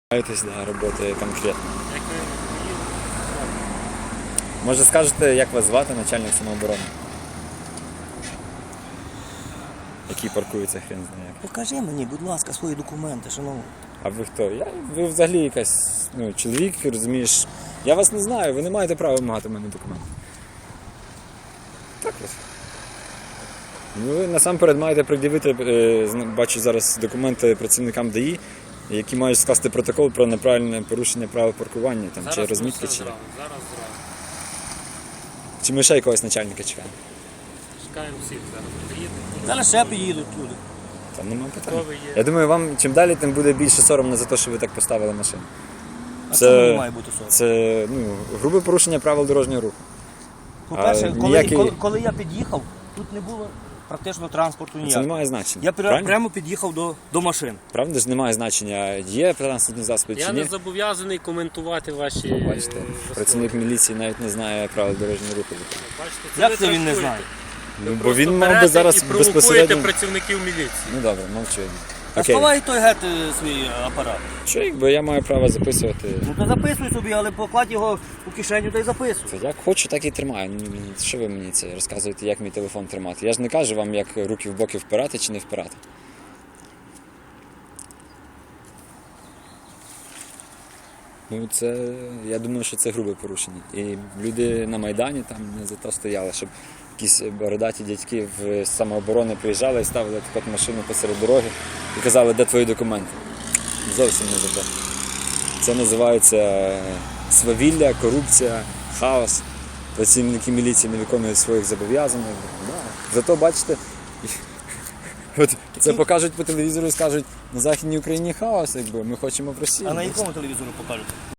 Да, роботи конкретно. Може скажете, як вас звати, начальник самооборони? Який паркується, хрен знає. Покажи мені, будь ласка, свої документи, шановний. А ви хто? Ви взагалі якась, чоловік, розумієш. Я вас не знаю, ви не маєте права вимагати в мене документи. Так ось. Ви насамперед маєте пред'явити, бачу зараз документи працівникам ДАІ, які мають скласти протокол про неправильне порушення правил паркування, там, чи розмітки, чи... Зараз. Чи ми ще якогось начальника чекаємо? Чекаємо всіх зараз. Приїдемо. Зараз ще приїдуть люди. Там нема питань. Хто ви є? Я думаю, вам чим далі, тим буде більше соромно за те, що ви так поставили машину. А це має бути соромно? Це грубе порушення правил дорожнього руху. По-перше, ніякий- коли я під'їхав, тут не було практично транспорту Це не ніякого. має значення. Я правильно? прямо під'їхав до машин. Правда ж немає значення, є транспортні засоби Я чи не ні. зобов'язаний коментувати ваші Бачите, вислови. працівник міліції навіть не знає правил дорожнього руху. Бачите, це Як ви це він не трактуєте. знає? Бо Просто він мав би берете зараз і провокуєте безпосередньо... працівників міліції. Ну добре, мовчу. А Окей. сховай той гет свій апарат. Що, якби я маю право записувати? Ну то записуй собі, але покладь його у кишеню та й записуй. Це як хочу, так і тримаю. Що ви мені це розказуєте, як мій телефон тримати? Я ж не кажу вам, як руки в боки впирати чи не впирати. Я думаю, що це грубе порушення. І люди на Майдані там не за то стояли, щоб якісь бородаті дядьки в самооборони приїжджали і ставили таку от машину посеред дороги і казали, де твої документи. Зовсім не за то. Це називається свавілля, корупція, хаос. Працівники міліції не виконують своїх зобов'язань. Зато, бачите, от це покажуть по телевізору і скажуть, на Західній Україні хаос, якби ми хочемо в Росії. А на якому телевізору покажуть?